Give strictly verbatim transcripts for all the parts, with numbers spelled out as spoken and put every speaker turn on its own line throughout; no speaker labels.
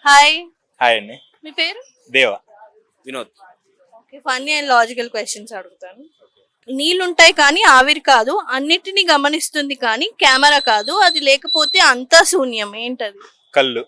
Hi.
Hi అండి.
మీ పేరు?
Deva.
Vinod.
Okay, funny and logical questions అడుగుతాను. నీళ్ళుంటాయి కానీ ఆవిరి కాదు, అన్నిటిని గమనిస్తుంది కానీ కెమెరా కాదు, అది లేకపోతే అంతా శూన్యం, ఏంటది?
కళ్ళు.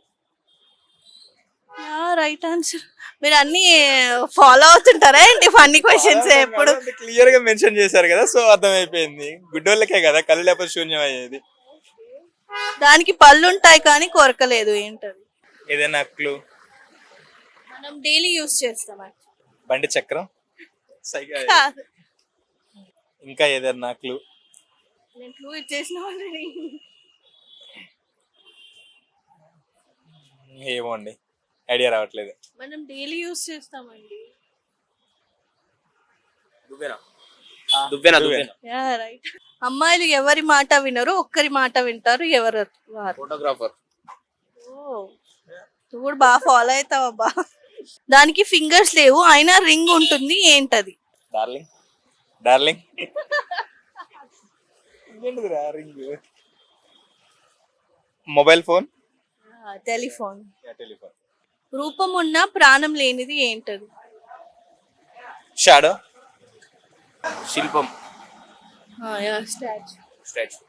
Right answer. మీరు అన్ని ఫాలో అవుతుంటారా ఏంటి ఫన్నీ క్వశ్చన్స్ ఎప్పుడు?
క్లియర్ గా మెన్షన్ చేశారు కదా, సో అర్థమైపోయింది. గుడ్డోళ్ళకే కదా కళ్ళు లేకపోతే శూన్యం అయ్యేది.
దానికి పళ్ళు ఉంటాయి కానీ కొరకలేదు, ఏంటది?
ఏదైనా క్లూ?
మనం డైలీ యూస్ చేస్తాం.
బండి చక్రం. సైకిల్.
కాదు.
ఇంకా ఏదైనా క్లూ?
నేను క్లూ ఇచ్చేసిన ఆల్రెడీ.
ఏమో అండి, ఐడియా రావట్లేదు.
మనం డైలీ యూస్ చేస్తామండి.
దువ్వెన. దువ్వెన. దువ్వెన.
Yeah right. అమ్మాయిలు ఎవరి మాట వినరు, ఒక్కరి మాట వింటారు, ఎవరు వారు?
ఫోటోగ్రాఫర్.
ఓ, నువ్వు కూడా బాగా ఫాలో అవుతావు అబ్బా. దానికి ఫింగర్స్ లేవు అయినా రింగ్ ఉంటుంది, ఏంటది?
డార్లింగ్. డార్లింగ్. ఏంటిదిరా ring? Mobile phone.
Telephone.
Telephone.
రూపం ఉన్న ప్రాణం లేనిది, ఏంటది?
షాడో.
శిల్పం.
స్టాచ్యూ.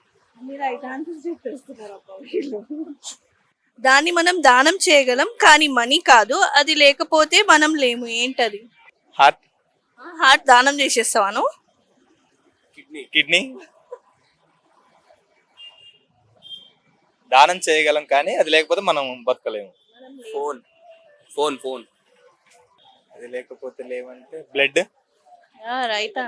దాన్ని మనం దానం చేయగలం కానీ మనీ కాదు, అది లేకపోతే మనం లేము, ఏంటది?
హార్ట్.
హార్ట్ దానం చేసేస్తావాను?
కిడ్నీ.
కిడ్నీ. దానం చేయగలం కానీ అది లేకపోతే మనం బతకలేము.
ఫోన్. ఫోన్. ఫోన్.
అది లేకపోతే లేవంటే బ్లడ్.
రైట్.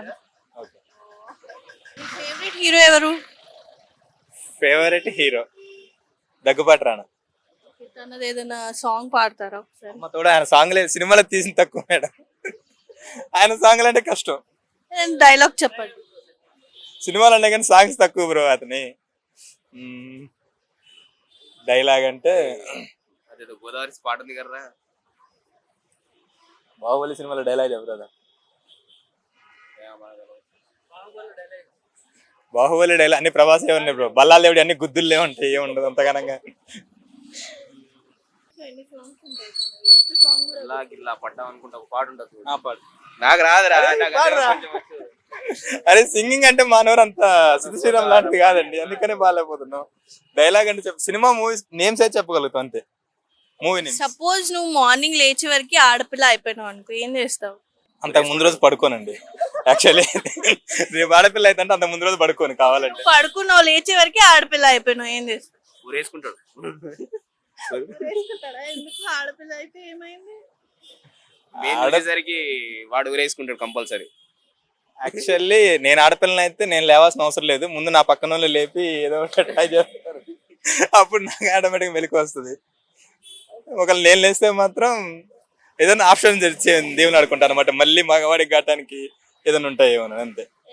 ఫేవరెట్ హీరో ఎవరు?
Favourite hero Daggubati Rana.
తనది ఏదైనా సాంగ్ పాడతారా ఒకసారి?
అమ్మ తోడు ఆయన సాంగ్ లేదు, సినిమాలో తీసిన తక్కువ మేడం. ఆయన సాంగ్లు అంటే కష్టం.
డైలాగ్ చెప్పండి.
సినిమాలు అంటే కానీ సాంగ్స్ తక్కువ బ్రో అతని. డైలాగ్ అంటే
అదేదో గోదావరి స్పాట్ ఉంది కదా,
బాహుబలి సినిమాలో డైలాగ్ చెప్పరా? బాహుబలి డైలాగ్ అన్ని ప్రభాస్ ఉన్నాయి బ్రో. బల్లాలు దేవుడి అన్ని గుద్దులే ఉంటాయి, ఏముండదు అంతగానంగా.
ఇలా గిల్లా పడ్డాం అనుకుంటా ఒక పాట ఉంటుంది.
ఆ పాడు.
నాకు రాదురా.
అరే సింగింగ్ అంటే మానవరు అంత సిద్ధ శ్రీరామ్ లాంటిది కాదండి, అందుకనే బాగాలేకపోతున్నావు. డైలాగ్ అంటే చెప్పు, సినిమా మూవీస్ నేమ్స్ అయితే చెప్పగలుగుతావు అంతే. Movie names.
సపోజ్ నువ్వు మార్నింగ్ లేచే వరకు ఆడపిల్ల అయిపోయినావు అనుకో, ఏం చేస్తావు?
అంతకు ముందు రోజు పడుకోనండి యాక్చువల్లీ. రేపు ఆడపిల్ల అయితే అంత ముందు రోజు పడుకోను కావాలంటే.
పడుకున్నావు, లేచే వరకు ఆడపిల్ల అయిపోయినావు, ఏం చేస్తావు?
ఊరేసుకుంటాడు.
ఎందుకు? ఆడపిల్ల అయితే ఏమైంది?
ఆడేసరికి వాడు ఊరేసుకుంటాడు కంపల్సరీ.
యాక్చువల్లీ నేను ఆడపిల్లని అయితే నేను లేవాల్సిన అవసరం లేదు, ముందు నా పక్కన వాళ్ళు లేపి ఏదో ఒకటి ట్రై చేస్తారు, అప్పుడు నాకు ఆటోమేటిక్గా మెలకు వస్తుంది. ఒకవేళ నేను లేస్తే మాత్రం ఏదైనా ఆప్షన్ దేవుని ఆడుకుంటాను అనమాట, మళ్ళీ మగవాడికి కావటానికి ఏదైనా ఉంటాయేమో అంతే.